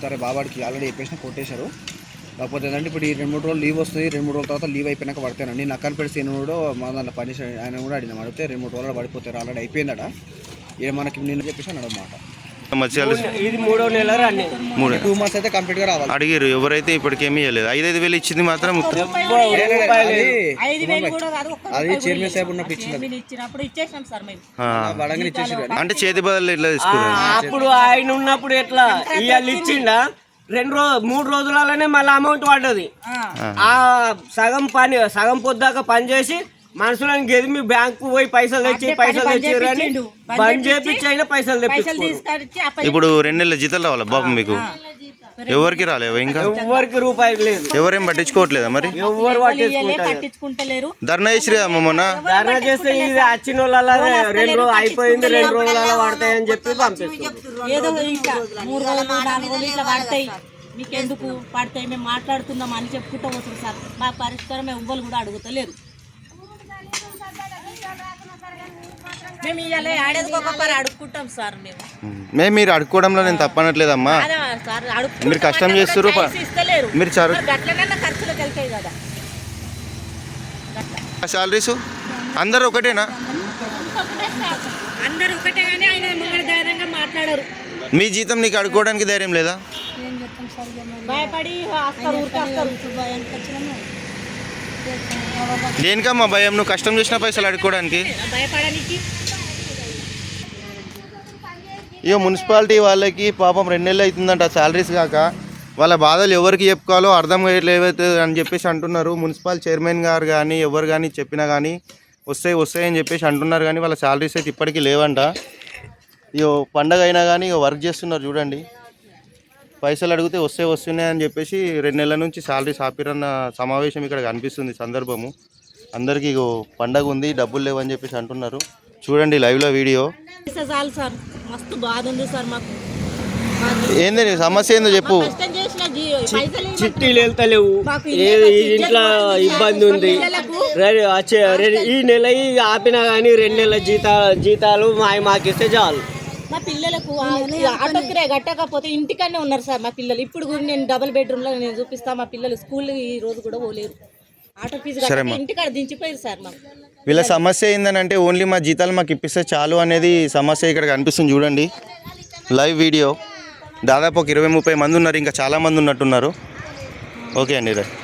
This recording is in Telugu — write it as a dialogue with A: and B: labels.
A: చెప్తారే బాబాడికి ఆల్రెడీ చెప్పేసిన కొట్టేశారు. కాకపోతే ఏంటంటే ఇప్పుడు ఈ 2-3 రోజులు లీవ్ వస్తుంది. 2-3 రోజుల తర్వాత లీవ్ అయిపోయినాక పడతానండి. నక్కని పెడితే కూడా మా దాంట్లో పని ఆయన కూడా అడిగిన అడిగితే 2-3 రోజులు పడిపోతారు. ఆల్రెడీ అయిపోయిందట. ఇక మనకి నిన్న చెప్పేసి అన్నమాట.
B: ఇది 3వ నెల
A: 2 months అయితే కంప్లీట్ గా రావాలి.
C: అడిగారు ఎవరైతే ఇప్పటికేమీ ఇవ్వలేదు. 5,000 ఇచ్చింది మాత్రం
A: అది చైర్మన్ సార్ ఉన్నప్పుడు ఇచ్చింది.
C: అంటే చేతి బదులు ఎట్లా తీసుకున్నారు?
B: అప్పుడు ఆయన ఉన్నప్పుడు ఎట్లా ఇవాళ ఇచ్చిండా 3 రోజులలోనే మళ్ళీ అమౌంట్ పడ్డది. ఆ సగం పొద్దాక పని చేసి మనుషులను గెదిమి బ్యాంకు పోయి పైసలు తెచ్చి అని బంద్ చేపించి అయినా పైసలు తెప్పించి
C: ఇప్పుడు 2 నెలల జీతాలు రావాలి బాబు మీకు? ఎవరికి రాలేవు ఇంకా?
B: ఎవరికి రూపాయి లేదు.
C: ఎవరేం పట్టించుకోవట్లేదా మరి?
B: ఎవరు పట్టించుకుంటలేరు.
C: ధర్నా చేసి మొన్న
B: ధర్నా చేస్తే ఇది వచ్చిన వాళ్ళ 2 రోజులు అయిపోయింది, 2 రోజులలో పడతాయని చెప్పి
D: పంపిస్తారు. మీకెందుకు పడతాయి, మేము మాట్లాడుతున్నాం అని చెప్పుకుంటూ వస్తుంది సార్. మా పరిష్కారం ఎవ్వరు కూడా అడుగుతలేరు. మేము ఇవాళ ఆడేదికొకరు అడుక్కుంటాం సార్.
C: మేము మీరు అడుక్కోవడంలో నేను తప్పనట్లేదమ్మా. మీరు కష్టం చేస్తారు, మీరు
D: ఖర్చులకు వెళ్తాయి కదా
C: సాలరీస్. అందరు ఒకటేనా?
D: అందరు ఒకటే కానీ ఆయన ముంగడు ధైర్యంగా మాట్లాడరు.
C: మీ జీతం నీకు అడుక్కోవడానికి ధైర్యం లేదా?
D: భయపడి
C: దేనికమ్మా భయం? నువ్వు కష్టం చేసిన పైసలు అడుక్కోవడానికి.
D: భయపడడానికి
C: ఇక మున్సిపాలిటీ వాళ్ళకి పాపం 2 నెలలు అవుతుందంట సాలరీస్ కాక. వాళ్ళ బాధలు ఎవరికి చెప్పుకోవాలో అర్థం కావట్లేదు అని చెప్పేసి అంటున్నారు. మున్సిపల్ చైర్మన్ గారు కానీ ఎవరు కానీ చెప్పినా కానీ వస్తాయని చెప్పేసి అంటున్నారు. కానీ వాళ్ళ సాలరీస్ అయితే ఇప్పటికీ లేవంట. ఇక పండగ అయినా కానీ ఇక వర్క్ చేస్తున్నారు చూడండి. పైసలు అడిగితే వస్తున్నాయని చెప్పేసి 2 నెలల నుంచి సాలరీస్ ఆపిరన్న సమావేశం ఇక్కడ కనిపిస్తుంది సందర్భము. అందరికీ ఇగో పండగ ఉంది, డబ్బులు లేవని చెప్పేసి అంటున్నారు. చూడండి లైవ్లో వీడియో.
D: చాలు సార్, మస్తు బాధ ఉంది సార్ మాకు.
C: ఏంది సమస్య ఏందో చెప్పు.
B: చిట్టీలు వెళ్తలేవు, ఇంట్లో ఇబ్బంది ఉంది. ఈ నెల ఆపినా కానీ 2 నెలల జీతాలు మాకిస్తే చాలు.
D: మా పిల్లలకు ఆటో కిరాయి కట్టకపోతే ఇంటికనే ఉన్నారు సార్ మా పిల్లలు. ఇప్పుడు కూడా నేను డబుల్ బెడ్రూమ్లో నేను చూపిస్తా. మా పిల్లలు స్కూల్ ఈ రోజు కూడా పోలేరు. ఆటో ఫీజు ఇంటికాడ దించిపోయారు సార్. మాకు
C: వీళ్ళ సమస్య ఏంటంటే ఓన్లీ మా జీతాలు మాకు ఇప్పిస్తే చాలు అనేది సమస్య ఇక్కడ కనిపిస్తుంది చూడండి లైవ్ వీడియో. దాదాపు ఒక 20-30 మంది ఉన్నారు, ఇంకా చాలామంది ఉన్నట్టున్నారు. ఓకే అండి రైట్.